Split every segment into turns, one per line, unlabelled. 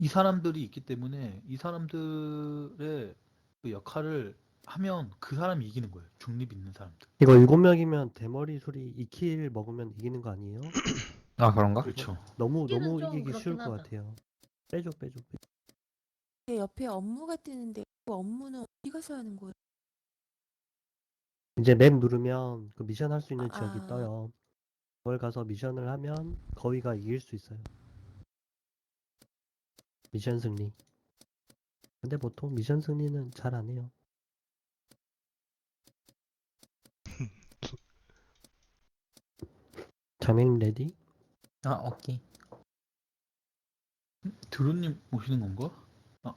이 사람들이 있기 때문에 이 사람들의 그 역할을 하면 그 사람이 이기는 거예요. 중립 있는 사람들.
이거 7명이면 대머리 소리 2킬 먹으면 이기는 거 아니에요?
아 그런가?
그렇죠.
너무
킬은 좀
이기기 쉬울
그렇긴
것
하다.
같아요. 빼줘.
제 옆에 업무가 뜨는데 그 업무는 어디 가서 하는 거예요?
이제 맵 누르면 그 미션 할 수 있는 지역이
아.
떠요. 그걸 가서 미션을 하면 거위가 이길 수 있어요. 미션 승리. 근데 보통 미션 승리는 잘 안 해요. 장맹 레디?
아 오케이.
드론님 오시는 건가? 아,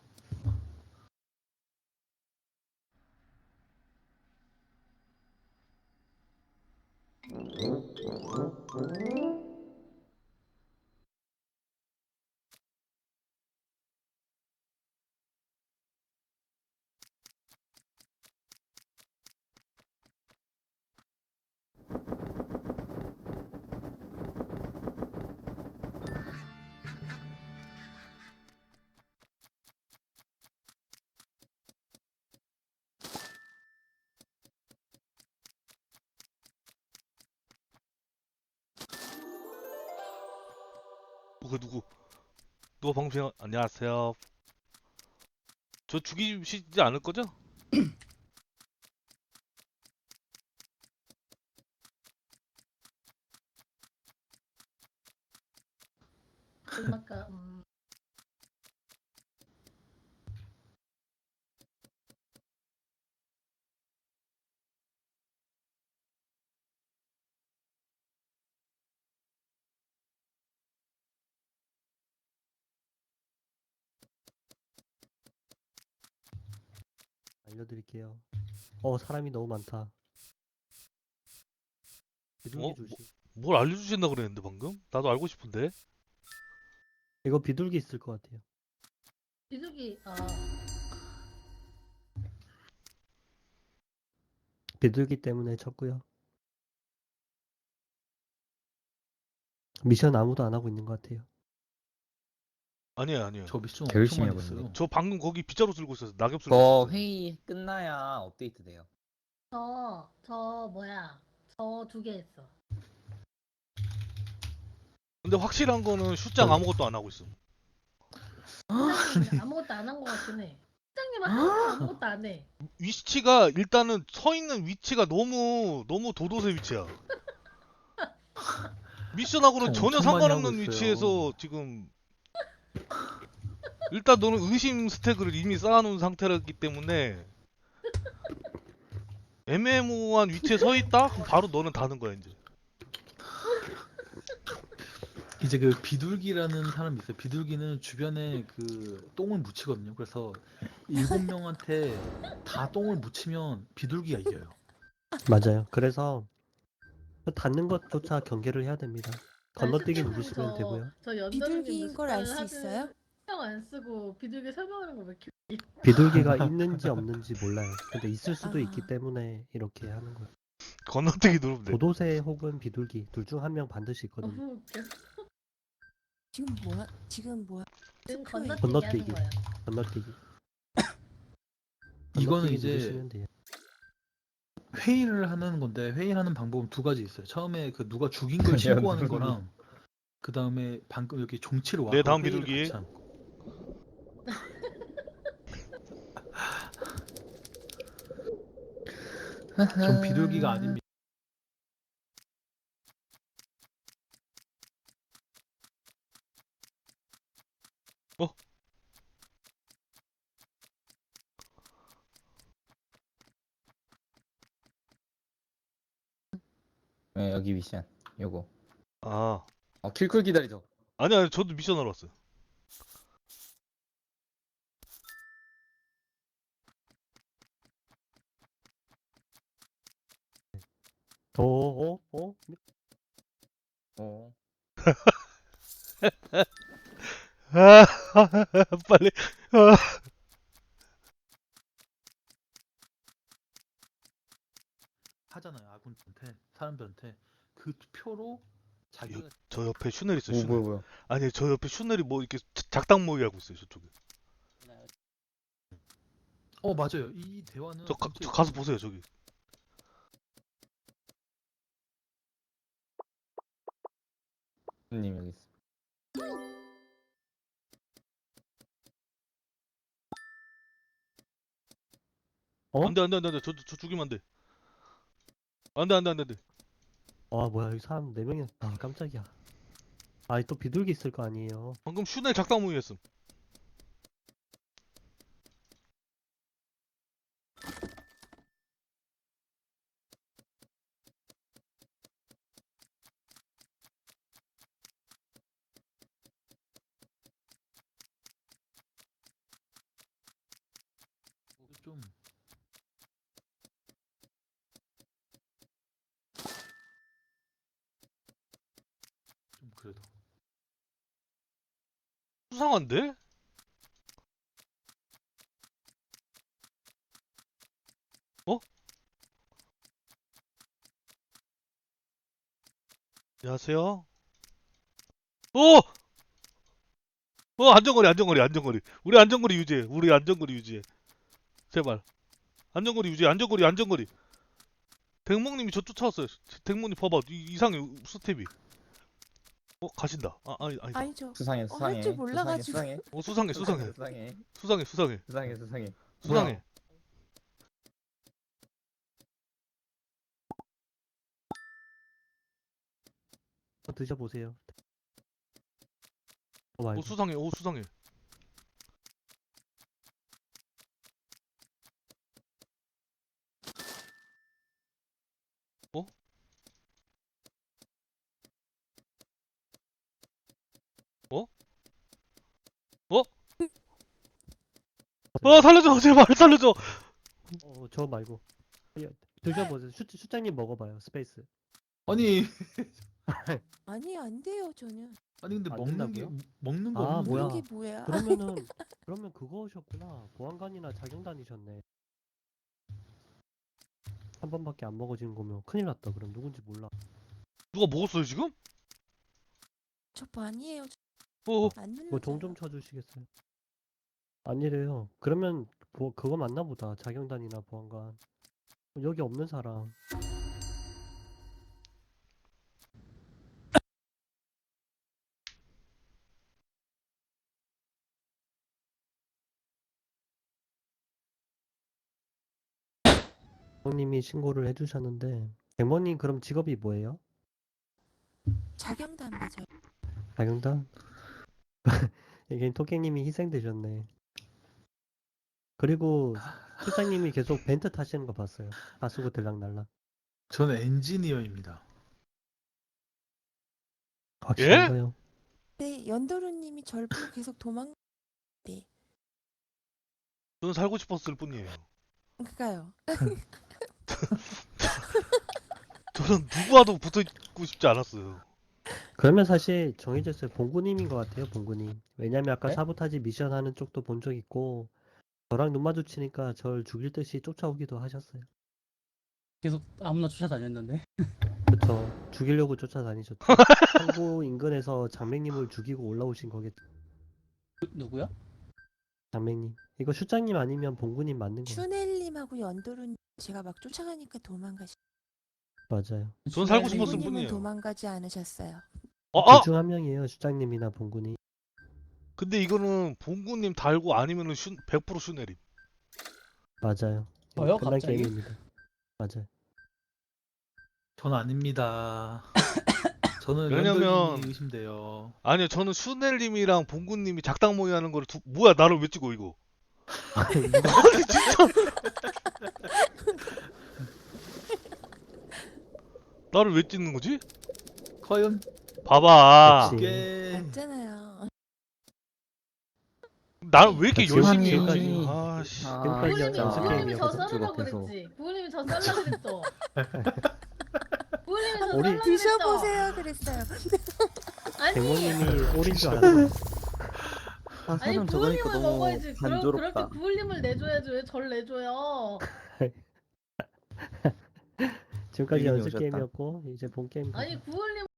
누구? 누가 방송? 안녕하세요. 저 죽이시지 않을 거죠?
음악가
알려드릴게요. 사람이 너무 많다. 비둘기
어?
조심.
뭘 알려주신다 그랬는데 방금? 나도 알고 싶은데.
이거 비둘기 있을 것 같아요.
비둘기
비둘기 때문에 쳤고요. 미션 아무도 안 하고 있는 것 같아요.
아니에요.
저 미션
개 열심히
엄청 많이
하고
했어요.
있는데.
저 방금 거기 빗자루 쓸고 있었어. 낙엽 쓸고
저
있었어.
회의 끝나야 업데이트 돼요.
저 뭐야? 저 2개 했어.
근데 확실한 거는 슈장 아무것도 안 하고 있어.
팀장님 아무것도 안 한 것 같긴 해. 팀장님은 항상 아무것도 안 해.
위치가 일단은 서 있는 위치가 너무 도도새 위치야. 미션하고는
저
전혀
엄청 많이 하고
상관없는
있어요.
위치에서 지금 일단 너는 의심 스택을 이미 쌓아놓은 상태라기 때문에 애매모호한 위치에 서 있다? 그럼 바로 너는 다는 거야 이제.
이제 그 비둘기라는 사람이 있어요. 비둘기는 주변에 그 똥을 묻히거든요. 그래서 7명한테 다 똥을 묻히면 비둘기가 이겨요.
맞아요. 그래서 닿는 것조차 경계를 해야 됩니다. 건너뛰기 누르시면 되고요.
저 연달님
비둘기인 걸 알 수 있어요?
신경 안 쓰고 비둘기 설명하는 거 왜 이렇게
비둘기가 있는지 없는지 몰라요. 근데 있을 수도 있기
아.
때문에 이렇게 하는 거예요.
건너뛰기 누르면 돼.
도도새 혹은 비둘기 둘 중 한 명 반드시 있거든요.
너무 웃겨.
지금 뭐야?
지금
투표해.
건너뛰기 하는 거예요.
건너뛰기.
이거는
건너뛰기
이제
누르시면 돼요.
회의를 하는 건데 회의하는 방법은 2가지 있어요. 처음에 그 누가 죽인 걸 신고하는 거랑 그 다음에 방금 여기 종치를
네,
와서
다음
회의를
비둘기.
같이 하는 거. 전 비둘기가 아닙니다.
네, 여기 미션. 요거.
아
킬쿨 기다리죠.
아니야 저도 미션 하러 왔어요.
어?
어.
아 빨리.
하잖아요. 아군한테 사람들한테 그 투표로 자기가
저 옆에 슈넬 있어.
뭐
슈넬.
뭐야.
아니 저 옆에 슈넬이 뭐 이렇게 작당 모의 하고 있어요 저쪽에.
맞아요. 이 대화는
저
진짜
가서 보세요 저기.
님 여기 있어.
어?
안돼 안돼 안돼 저 죽이면 안돼. 안돼 안돼 안돼 안돼.
아 뭐야 여기 사람 4명이. 아 깜짝이야. 아 또 비둘기 있을 거 아니에요.
방금 슈넬 작당 모의 했음.
좀 그래도
수상한데? 어? 안녕하세요. 안전거리 안전거리 안전거리. 우리 안전거리 유지해. 우리 안전거리 유지해. 제발. 안전거리 유지해. 안전거리 안전거리. 댕몽님이 저 쫓아왔어요. 댕몽님 봐봐. 이상해 스텝이. 가신다. 아니.
아니죠.
수상해
할
수상해.
줄 몰라가지고.
수상해.
수상해.
수상해.
수상해.
드셔보세요. 말고.
수상해. 수상해. 살려줘. 제발 살려줘.
저 말고. 드셔보세요. 슈장님 먹어봐요. 스페이스.
아니
아니 안 돼요 저는.
근데
안
먹는
된다고요?
먹는 거
아,
없는데.
뭐야.
그게 뭐야?
그러면 그거셨구나. 보안관이나 자경단이셨네. 한 번밖에 안 먹어지는 거면 큰일 났다. 그럼 누군지 몰라.
누가 먹었어요 지금?
저 아니에요. 안 눌러.
뭐 종 좀 쳐주시겠어요? 아니래요. 그러면 그거 맞나 보다. 자경단이나 보안관. 여기 없는 사람. 님이 신고를 해주셨는데 백모님 그럼 직업이 뭐예요?
자경단 맞아요.
자경단? 이게 토끼님이 희생되셨네. 그리고 실장님이 계속 벤트 타시는 거 봤어요. 하수구 들락날락.
저는 엔지니어입니다.
확실한가요?
네, 연도루님이 절 보고 계속
저는 살고 싶었을 뿐이에요.
그니까요.
저는 누구와도 붙어있고 싶지 않았어요.
그러면 사실 정해졌어요. 봉구님인 것 같아요. 봉구님. 왜냐면 아까
네?
사보타지 미션 하는 쪽도 본 적 있고 저랑 눈 마주치니까 절 죽일 듯이 쫓아오기도 하셨어요.
계속 아무나 쫓아다녔는데.
그쵸. 죽이려고 쫓아다니셨죠. 항구 인근에서 장맹님을 죽이고 올라오신 거겠죠.
누구야?
장맹님. 이거 슈장님 아니면 봉구님 맞는 거예요.
슈넬님하고 연도루님 제가 막 쫓아가니까 도망가시.
맞아요.
전 살고
네,
싶었을
봉구님은
뿐이에요.
도망가지 않으셨어요.
아!
둘 중 한 명이에요. 슈장님이나 봉구님.
근데 이거는 봉구님 달고 아니면은 100% 슈네림.
맞아요.
저요?
끝난
갑자기?
게임입니다. 맞아요.
전 아닙니다. 저는
왜냐면-
연결님이 의심돼요.
아니요, 저는 슈넬님이랑 봉구님이 작당 모의 하는 거를 뭐야, 나를 왜 찍어, 이거? 아니, 진짜. 나를 왜 찍는 거지?
과연
봐봐.
그치.
꽤
맞잖아요.
나를 왜 이렇게
그치.
열심히 해?
지금까지-
아씨.
지금까지
부모님이
연습
부모님이 저
게임이었거든.
썰으라고
계속.
그랬지. 부모님이 저 썰라 그랬어. 부모님이 저
우리-
썰라 그랬어.
드셔보세요 그랬어요.
아니
백모님이 올인 줄 알았어요.
아,
아니
사람 저거니까
부모님을
너무
먹어야지. 그렇게
단조롭다.
부모님을 내줘야지 왜 절 내줘요?
지금까지
이름이
연습
오셨다.
게임이었고 이제 본 게임.
아니 부모님을